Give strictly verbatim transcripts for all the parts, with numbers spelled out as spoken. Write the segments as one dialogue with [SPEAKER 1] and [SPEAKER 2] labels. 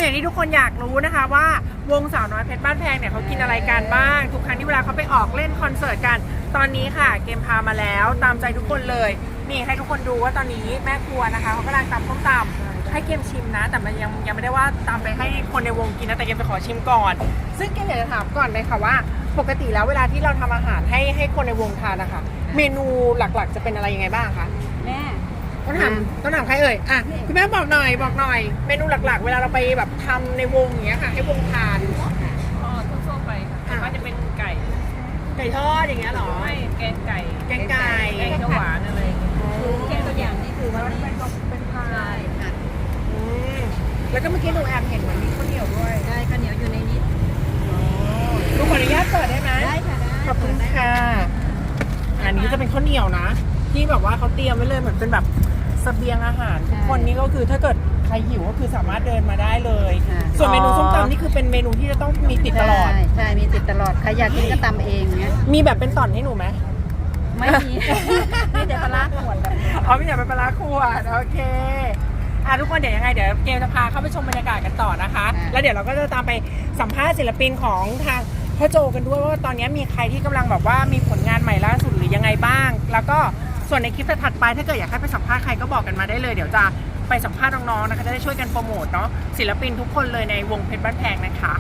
[SPEAKER 1] อย่างที่ทุกคนอยากรู้นะคะว่าวงสาวน้อยเพชรบ้านแพงเนี่ยเขากินอะไรกันบ้างทุกครั้งที่เวลาเขาไปออกเล่นคอนเสิร์ตกันตอนนี้ค่ะเกมพามาแล้วตามใจทุกคนเลยนี่ให้ทุกคนดูว่าตอนนี้แม่ครัวนะคะเขากำลังตำส้มตำให้เกมชิมนะแต่มันยังยังไม่ได้ว่าตำไปให้คนในวงกินนะแต่เกมจะขอชิมก่อนซึ่งเกมอยากจะถามก่อนเลยค่ะว่าปกติแล้วเวลาที่เราทำอาหารให้ให้คนในวงทานนะคะเมนูหลักๆจะเป็นอะไรยังไงบ้างคะ
[SPEAKER 2] แม่
[SPEAKER 1] ต้องถามต้องถามใครเอ่ยอ่ะคุณแม่บอกหน่อยบอกหน่อยเมนูหลักๆเวลาเราไปแบบทำในวงอย่างเงี้ยค่ะให้วงทาน
[SPEAKER 3] อ๋อทั่วๆไปค่ะว่าจะเป็นไก่
[SPEAKER 1] ไก่ทอดอย่างเงี้ยหรอ
[SPEAKER 3] ไม่แกงไก่
[SPEAKER 1] แกงไก่
[SPEAKER 3] แกงเขียวหวานอะไรอย่างเงี้ย
[SPEAKER 2] แกงตัวอย่างนี่คือวันนี้
[SPEAKER 1] เป็นพาย
[SPEAKER 2] ค่ะ
[SPEAKER 1] แล้วก็เมื่อกี้หนูแอบเห็นเหมือนมีข้าวเหนียวด้วย
[SPEAKER 2] ได้ข้าวเหนียวอยู่ในนี้
[SPEAKER 1] หนูขออนุญาตเปิดได้ไหม
[SPEAKER 2] ได้ค่ะได้
[SPEAKER 1] ขอบคุณค่ะอันนี้จะเป็นข้าวเหนียวนะที่แบบว่าเขาเตรียมไว้เลยเหมือนเป็นแบบเสบียงอาหารทุกคนนี่ก็คือถ้าเกิดใครหิวก็คือสามารถเดินมาได้เลยส่วนเมนูส้มตำนี่คือเป็นเมนูที่จะต้องมีติดตลอด
[SPEAKER 2] ใช่ใช่มีติดตลอดใครอยากกินก็ตำเองเงี้ย
[SPEAKER 1] มีแบบเป็นต่อนให้หนูไหม
[SPEAKER 2] ไม่มีมีแต่ปลาขวดแบบ
[SPEAKER 1] อ๋อมีแต่เป็นปลาขวดโอเคอ่ะทุกคนเดี๋ยวยังไงเดี๋ยวเกมจะพาเข้าไปชมบรรยากาศกันต่อนะคะแล้วเดี๋ยวเราก็จะตามไปสัมภาษณ์ศิลปินของทางพ่อโจกันด้วยว่าตอนนี้มีใครที่กำลังแบบว่ามีผลงานใหม่ล่าสุดหรือยังไงบ้างแล้วก็ส่วนในคลิปถัดไปถ้าเกิดอยากให้ไปสัมภาษณ์ใครก็บอกกันมาได้เลยเดี๋ยวจะไปสัมภาษณ์น้องๆนะคะจะได้ช่วยกันโปรโมทเนาะศิลปินทุกคนเลยในวงเพชรบ้านแพงนะคะ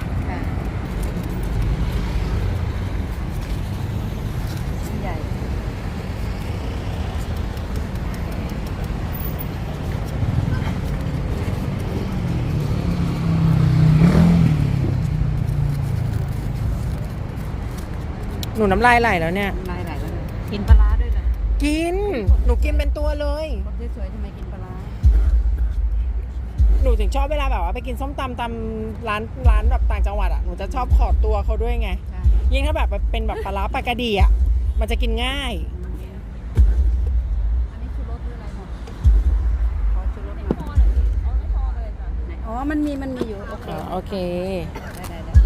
[SPEAKER 2] ใหญ่
[SPEAKER 1] หนูน้ำลายไหลแล้วเนี่ย
[SPEAKER 2] น้ำลายไหลแล้วกินปลาด้วยเหรอ
[SPEAKER 1] กินหนูกินเป็นตัวเลย
[SPEAKER 2] สวยๆทำไมกินปลา
[SPEAKER 1] หนูถึงชอบเวลาแบบว่าไปกินส้มตำตามร้านร้านแบบต่างจังหวัดอ่ะหนูจะชอบขอดตัวเขาด้วยไงยิ่งถ้าแบบเป็นแบบปลาร้าปลากระดีอ่ะมันจะกินง่าย
[SPEAKER 2] อันนี้ชูรสหรืออะไรหมดขอชูรสหน่อยอ๋อไม่พอเลยจ้ะอ๋อมันมีมันมีอยู่โอเค
[SPEAKER 1] โอเค
[SPEAKER 2] ได้ได้ได้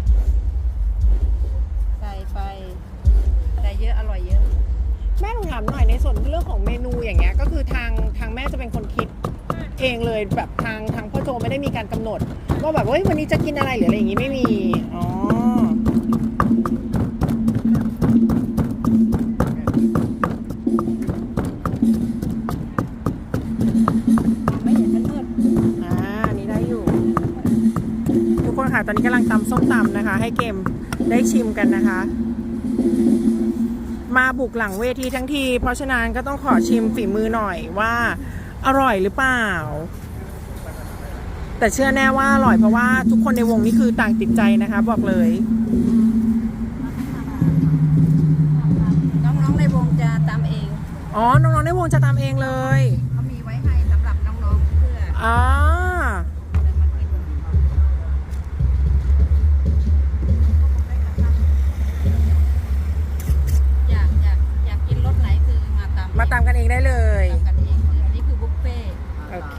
[SPEAKER 2] ใส่ไปใส่เยอะอร่อยเยอะ
[SPEAKER 1] แม่หนูถามหน่อยในส่วนเรื่องของเมนูอย่างเงี้ยก็คือทางทางแม่จะเป็นคนคิดเองเลยแบบทางทางพ่อโจไม่ได้มีการกำหนดว่าแบบเฮ้ยวันนี้จะกินอะไรหรืออะไรอย่างงี้ไม่มีอ๋อ
[SPEAKER 2] ไม่เห็นมันมืด
[SPEAKER 1] อ่านี่ได้อยู่ทุกคนค่ะตอนนี้กำลังตำส้มตำนะคะให้เกมได้ชิมกันนะคะมาบุกหลังเวทีทั้งทีเพราะฉะนั้นก็ต้องขอชิมฝีมือหน่อยว่าอร่อยหรือเปล่าแต่เชื่อแน่ว่าอร่อยเพราะว่าทุกคนในวงนี้คือต่างติดใจนะคะบอกเลย
[SPEAKER 2] น้องๆในวงจะตามเอง
[SPEAKER 1] อ๋อน้องๆในวงจะตามเองเลย
[SPEAKER 2] เขามีไว้ให้สำหรับน้องๆเพื่อ
[SPEAKER 1] อ๋อ
[SPEAKER 2] อยากอยากอยากกินรสไหนคือมาตาม
[SPEAKER 1] มาตามกันเองได้เลย
[SPEAKER 2] ตามกันเองอันนี้คือบุฟเฟ่
[SPEAKER 1] โอเค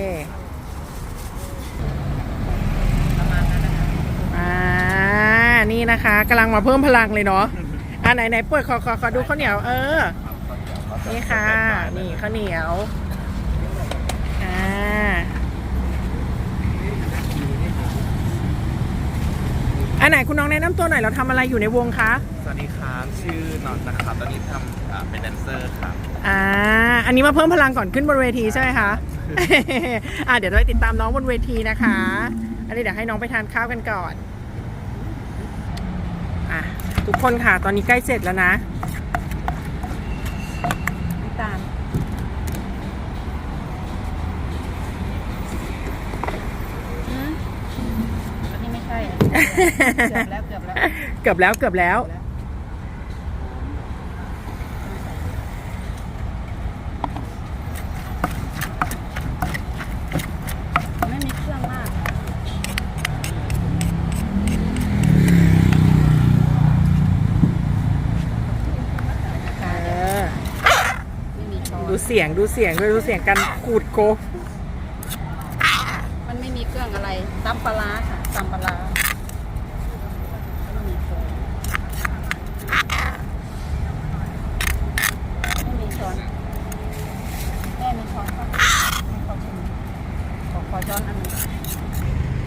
[SPEAKER 2] ประมาณนั้นนะคะ
[SPEAKER 1] อ่านี่นะคะกำลังมาเพิ่มพลังเลยเนาะอ่าไหนไหนเปิดขอขอขอดูข้าวเหนียวเออนี่ค่ะนี่ข้าวเหนียวอ่าอันไหนคุณน้องแนะนำตัวหน่อยเราทำอะไรอยู่ในวงคะ
[SPEAKER 4] สวัสดีครับชื่อนอนนะครับตอนนี้ทำเป็นแดนเซอร์ครับ
[SPEAKER 1] อ่าอันนี้มาเพิ่มพลังก่อนขึ้นบนเวทีใช่ไหมคะอ่าเดี๋ยวเราไปติดตามน้องบนเวทีนะคะอันนี้เดี๋ยวให้น้องไปทานข้าวกันก่อนอ่ะทุกคนค่ะตอนนี้ใกล้เสร็จแล้วนะ
[SPEAKER 2] น้ำตาลอันนี้ไม่ใช่เกือบแล้วเกือบแล้ว
[SPEAKER 1] เกือบแล้วเกือบแล้ว
[SPEAKER 2] ไม่มีเครื่องมาก
[SPEAKER 1] ดูเสียงดูเสียงด้วยดูเสียงกันขูดโก
[SPEAKER 2] มันไม่มีเครื่องอะไรตำปลาค่ะตำปลาไม่มีช้อนไม่มีช้อนแม่มีช้อนป่ะขอชิมขอขอช้อนอันนึง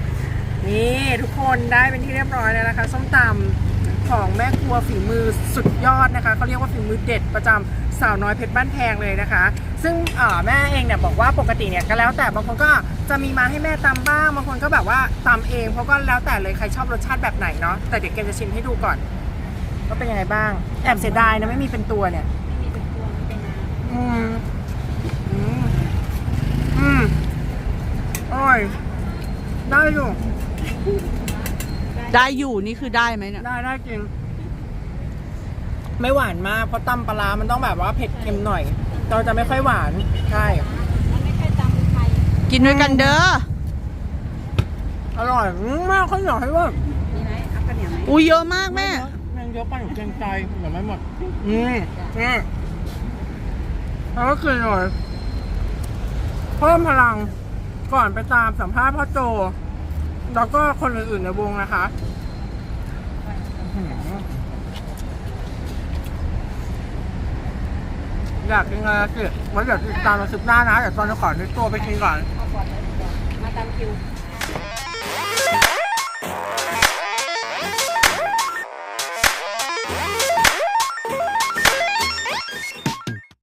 [SPEAKER 1] คนได้เป็นที่เรียบร้อยแล้วนะคะส้มตำของแม่ครัวฝีมือสุดยอดนะคะเขาเรียกว่าฝีมือเด็ดประจำสาวน้อยเพชรบ้านแพงเลยนะคะ ซึ่งเอ่อแม่เองเนี่ยบอกว่าปกติเนี่ยก็แล้วแต่บางคนก็จะมีมาให้แม่ตำบ้างบางคนก็แบบว่าตำเองเพราะก็แล้วแต่เลยใครชอบรสชาติแบบไหนเนาะแต่เดี๋ยวเกมจะชิมให้ดูก่อนว่าเป็นยังไงบ้างแอบเสียดายนะไม่มีเป็นตัวเนี่ย
[SPEAKER 2] ไม่มีเป็นตัวไม่เป็นน้
[SPEAKER 1] อืมอืมอืมอร่อยได้อยู่
[SPEAKER 5] ได้อยู่นี่คือได้ไหมเนี่ย
[SPEAKER 1] ได้ได้จริง ไม่หวานมากเพราะตำปลาร้ามันต้องแบบว่าเผ็ดเค็มหน่อย เราจะไม่ค่อยหวานใช่
[SPEAKER 2] ำมันไม่ใช่ตำไทย
[SPEAKER 5] กินด้วยกันเด้อ
[SPEAKER 1] อร่อยอืมมากข้าวเหนียวให้ว่า
[SPEAKER 2] มีไหมเอาข้าวเหนียวไหม
[SPEAKER 5] อุ้ยเยอะมากแม่
[SPEAKER 1] ยังเยอะไปหนูเกรงใจเดี๋ยวไม่หมดอืมอืมแล้วก็คือหน่อยเพิ่มพลังก่อนไปตามสัมภาษณ์พ่อโจ แล้วก็คนอื่นๆในวงนะคะอื้อหืออยากกินอะไรสิไว้เดี๋ยวติดตามมาสิบหน้านะเดี๋ยวตอนนี้ขอในตัวไปกินก่อน
[SPEAKER 2] เอาก่อนเลยดีกว่ามาตามคิว